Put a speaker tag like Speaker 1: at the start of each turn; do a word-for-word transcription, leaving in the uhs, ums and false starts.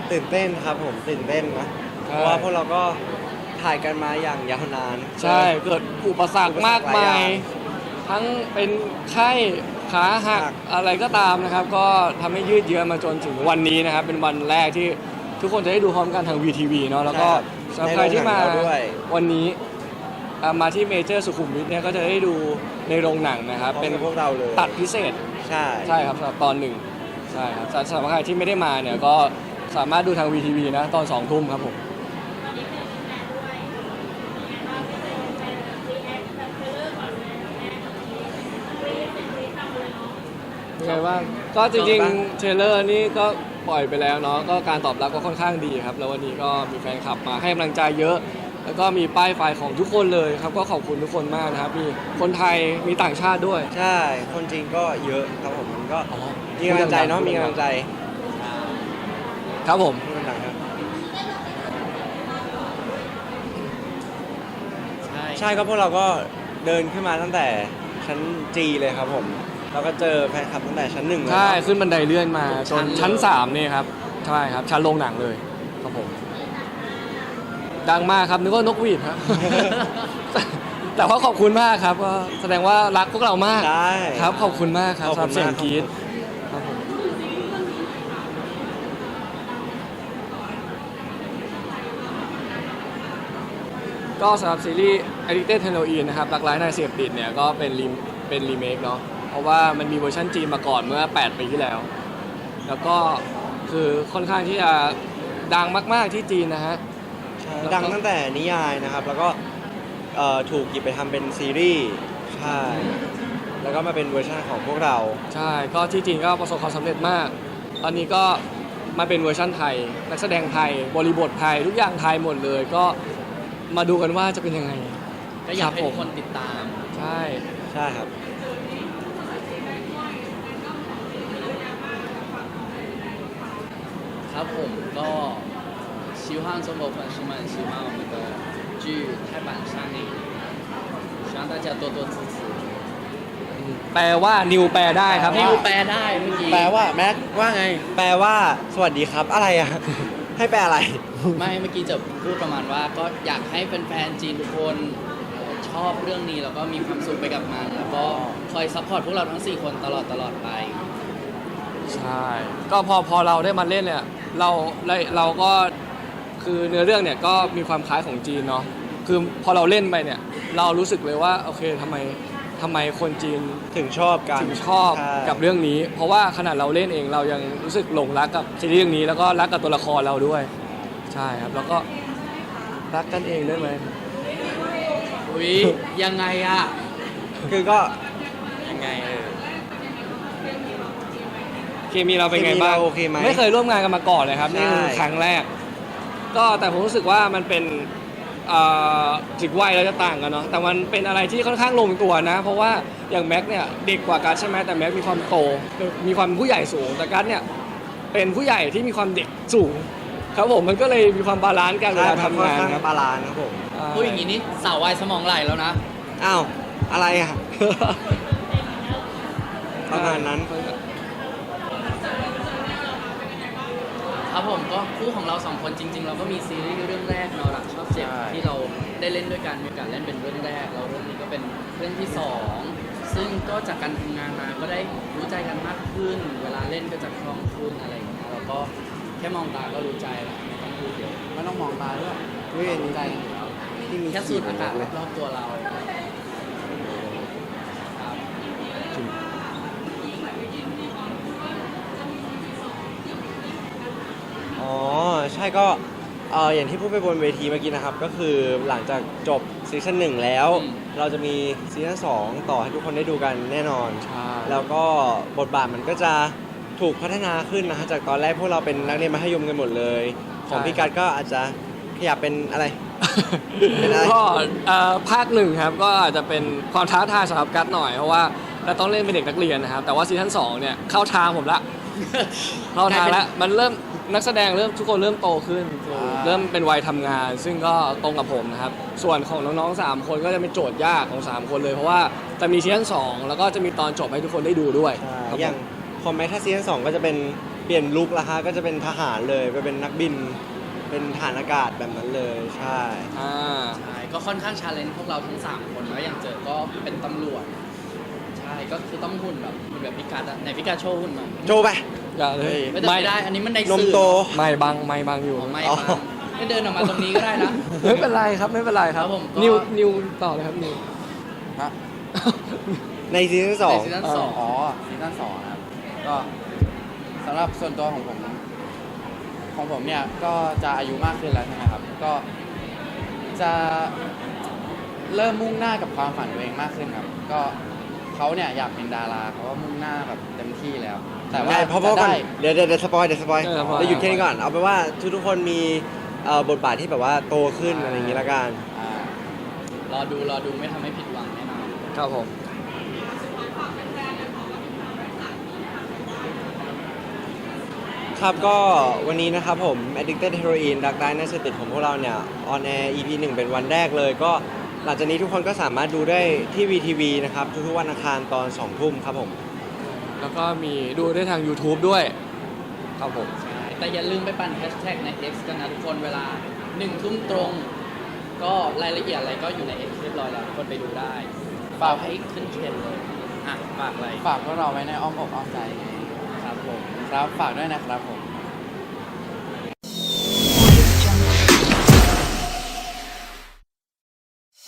Speaker 1: ตื่นเต้นครับผมตื่นเต้นนะเพราะว่าพวกเราก็ถ่ายกันมาอย่างยาวนาน
Speaker 2: ใช่เกิดอุปสรรคมากมายทั้งเป็นไข้ขาหักอะไรก็ตามนะครับก็ทำให้ยืดเยื้อมาจนถึงวันนี้นะครับเป็นวันแรกที่ทุกคนจะได้ดูพร้อมกันทาง วี ที วี เนาะแล้วก็สำหรับใครที่มาวันนี้มาที่เมเจอร์สุขุมวิทเนี่ยก็จะได้ดูในโรงหนังนะครับเป็น
Speaker 1: พวกเราเลย
Speaker 2: ตัดพิเศษ
Speaker 1: ใช่
Speaker 2: ใช่ครับสำหรับตอนหนึ่งใช่ครับสำหรับใครที่ไม่ได้มาเนี่ยก็สามารถดูทาง วี ที วี นะตอนสองทุ่มครับผมยังไงบ้างก็จริงๆเทรลเลอร์นี่ก็ปล่อยไปแล้วเนาะก็การตอบรับก็ค่อนข้างดีครับแล้ววันนี้ก็มีแฟนคลับมาให้กำลังใจเยอะแล้วก็มีป้ายไฟของทุกคนเลยครับก็ขอบคุณทุกคนมากนะครับมีคนไทยมีต่างชาติด้วย
Speaker 1: ใช่คนจริงก็เยอะครับผมมันก็มีกำลังใจเนาะมีกำลังใจ
Speaker 2: ครับผม
Speaker 1: ใช่ใช่ก็พวกเราก็เดินขึ้นมาตั้งแต่ชั้นจีเลยครับผมเราก็เจอแฟนคลับตั้งแต่ชั้นหนึ่งเลย
Speaker 2: ใช่ขึ้นบันไดเลื่อนมาจนชั้นสามนี่ครับใช่ครับชั้นโรงหนังเลยครับผมดังมากครับนึกว่านกหวีดครับ แต่ว่าขอบคุณมากครับก็แสดงว่ารักพวกเรามากครับขอบคุณมากครับสำหรับเสียงกรี๊ดครับผมก็สำหรับซีรีส์ Addicted Heroin นะครับรักร้ายนายเสพติดเนี่ยก็เป็นรีเป็นรีเมคเนาะเพราะว่ามันมีเวอร์ชันจีนมาก่อนเมื่อแปดปีที่แล้วแล้วก็คือค่อนข้างที่จะดังมากๆที่จีนนะฮะ
Speaker 1: ดังตั้งแต่นิยายนะครับแล้วก็ถูกหยิบไปทำเป็นซีรีส์ใช่แล้วก็มาเป็นเวอร์ชันของพวกเรา
Speaker 2: ใช่ก็ที่จีนก็ประสบความสำเร็จมากตอนนี้ก็มาเป็นเวอร์ชันไทยนักแสดงไทยบริบทไทยทุกอย่างไทยหมดเลยก็มาดูกันว่าจะเป็นยังไง
Speaker 3: ก็อยากให้ทุกคนติดตาม
Speaker 2: ใช่
Speaker 1: ใช่ครับ
Speaker 3: ครับผมก็希望中国粉丝们喜欢我们的剧泰版上映，希望大家多多支持。
Speaker 2: แปลว่านิวแปลได้ครับ
Speaker 3: นิวแปลได้เมื่อกี้
Speaker 1: แปลว่าแม็กว่าไงแปลว่าสวัสดีครับอะไรอ่ะให้แปลอะไร
Speaker 3: ไม่เมื่อกี้จะพูดประมาณว่าก็อยากให้แฟนๆจีนทุกคนชอบเรื่องนี้แล้วก็มีความสุขไปกับมันแล้วก็คอยซัพพอร์ตพวกเราทั้งสี่คนตลอดตลอดไป
Speaker 2: ใช่ก็พอพอเราได้มาเล่นเนี่ยเราเราก็คือเนื้อเรื่องเนี่ยก็มีความคล้ายของจีนเนาะคือพอเราเล่นไปเนี่ยเรารู้สึกเลยว่าโอเคทำไมทำไมคนจีน
Speaker 1: ถึงชอบกัน
Speaker 2: ถึงชอบกับเรื่องนี้เพราะว่าขนาดเราเล่นเองเรายังรู้สึกหลงรักกับซีรีส์เรื่องนี้แล้วก็รักกับตัวละครเราด้วยใช่ครับแล้วก็รักกันเองด้วยไหม
Speaker 3: อุ้ยยังไงอะ
Speaker 1: คือก็
Speaker 3: ยังไงเออ
Speaker 2: เคมีเราเป็นไงบ้างไม่เคยร่วมงานกันมาก่อนเลยครับนี่คือครั้งแรกก็แต่ผมรู้สึกว่ามันเป็นถึงวัยเราจะต่างกันเนาะแต่มันเป็นอะไรที่ค่อนข้างลงตัวนะเพราะว่าอย่างแม็กเนี่ยเด็กกว่ากัสใช่ไหมแต่แม็กมีความโตมีความผู้ใหญ่สูงแต่กัสเนี่ยเป็นผู้ใหญ่ที่มีความเด็กสูงครับผมมันก็เลยมีความบาลานซ์กันเวลาทำงานครับ
Speaker 1: บาลานซ์ครับผม
Speaker 3: พูดอย่างนี้นี่สาววัยสมองไหลแล้วนะ
Speaker 1: อ้าวอะไรอ่ะประมาณนั้น
Speaker 3: ครับผมก็คู่ของเราสองคนจริงๆเราก็มีซีรีส์เรื่องแรกเรารักชอบเจ็บที่เราได้เล่นด้วยกันมีโอกาสเล่นเป็นเรื่องแรกแล้วเรื่องนี้ก็เป็นเรื่องที่สองซึ่งก็จากการทำงานมาก็ได้รู้ใจกันมากขึ้นเวลาเล่นก็จะคล่องขึ้นอะไรอย่างเงี้ยแล้วก็แค่มองตาก็รู้ใจแล้วไม่ต้องพูดเยอะไม่ต้องมองตาด้วยรู้ใจกันอยู่แล้วที่มีแค่สูดอากาศรอบตัวเรา
Speaker 1: อ๋อใช่ก็เอออย่างที่พูดไปบนเวทีเมื่อกี้นะครับก็คือหลังจากจบซีซั่นหนึ่งแล้วเราจะมีซีซั่นสองต่อให้ทุกคนได้ดูกันแน่นอนแล้วก็บทบาทมันก็จะถูกพัฒนาขึ้นนะฮะจากตอนแรกพวกเราเป็นนักเรียนมัธยมกันหมดเลยของพี่กัสก็อาจจะขยับเป็นอะไร
Speaker 2: ก็ภาคหนึ่งครับก็อาจจะเป็นความท้าทายสำหรับกัสหน่อยเพราะว่าเราต้องเล่นเป็นเด็กนักเรียนนะครับแต่ว่าซีซั่นสองเนี่ยเข้าทางผมละเข้าทางแล้วมันเริ่มนักแสดงเริ่มทุกคนเริ่มโตขึ้นเริ่มเป็นวัยทำงานซึ่งก็ตรงกับผมนะครับส่วนของน้องๆสามคนก็จะเป็นโจทย์ยากของสามคนเลยเพราะว่าจะมีซีซั่นสองแล้วก็จะมีตอนจบให้ทุกคนได้ดูด้วย
Speaker 1: อย่างคอมแมทถ้าซีซั่นสองก็จะเป็นเปลี่ยนลุคละฮะก็จะเป็นทหารเลยไปเป็นนักบิน เป็นทหารอากาศแบบนั้นเลยใช่
Speaker 2: อ่า
Speaker 3: ใช่ก็ค่อนข้างชาเลนจ์พวกเราทั้งสามคนแล้วอย่างเจอก็เป็นตำรวจใช่ก็คือต้องหุ่นแบบหุ่นแบบพิกัดอะไหนพิกัดโชว์หุ่นมา
Speaker 1: โจไป
Speaker 2: อย่าเลย
Speaker 3: ไม่ได้ไม่ได้ อันนี้มันใน
Speaker 1: นม
Speaker 3: สื่อ
Speaker 1: โต
Speaker 2: ไม่บังไม่บังอยู่
Speaker 3: อ๋อไม่
Speaker 1: อ๋อ
Speaker 3: ครับไม่เดินออกมาตรงนี้ก็ได้นะ
Speaker 2: ไม่เป็นไรครับไม่เป็นไรครับ
Speaker 3: ครับผมก็
Speaker 2: นิวนิวต่อเลยครับนิว
Speaker 4: ฮะ
Speaker 1: ในซีซั่นสอง
Speaker 3: ในซีซั่นสอง
Speaker 4: อ๋อซีซั่นสองนะครับ ก็สำหรับส่วนตัวของผม ของผมเนี่ย ก็จะอายุมากขึ้นแล้วใช่ไหมครับ ก็จะเริ่มมุ่งหน้ากับความฝันตัวเองมากขึ้นครับ ก็เขาเนี่ยอยากเป็นดาราเขาก็มุ่งหน้าแบบเต็มที่แล้ว แต่ว่า
Speaker 1: ได้เพราะเพราะ
Speaker 4: จะ
Speaker 1: ก่อน
Speaker 4: ได้
Speaker 1: เดี๋ยวเดี๋ยวเดี๋ยวสปอยเดี๋ยวสปอย
Speaker 2: เออสปอย
Speaker 1: เราหยุดแค่นี้ก่อนเอาไปนว่าทุกทุกๆคนมีเอ่อบทบาทที่แบบว่าโตขึ้นอะไรอย่างงี้ละกัน
Speaker 4: อ่าร
Speaker 3: อดูรอดูไม่ทำให้ผิดหวังแน่นอน
Speaker 2: ครับผม
Speaker 1: ครับก็วันนี้นะครับผม Addicted Heroin Dark Knight น่าจะติดของพวกเราเนี่ย on air อี พี หนึ่งเป็นวันแรกเลย ก็หลังจากนี้ทุกคนก็สามารถดูได้ที่ วี ที วี นะครับ ทุกๆวันอังคารตอนสองทุ่มครับผม
Speaker 2: แล้วก็มีดูได้ทาง YouTube ด้วยครับผม
Speaker 3: ใช่ แต่อย่าลืมไปปั่นแฮชแท็กใน X กันนะทุกคนเวลาหนึ่งทุ่มตรง ก็รายละเอียดอะไรก็อยู่ใน X เรียบร้อยแล้วทุกคนไปดูได้ ฝากให้ขึ้นเทรนด์เลย อ่ะ ฝากอะไร
Speaker 4: ฝากพวกเราไว้ในอ้อมอกอ้อมใจไง
Speaker 3: ครับผม
Speaker 4: ครับ ฝากด้วยนะครับผม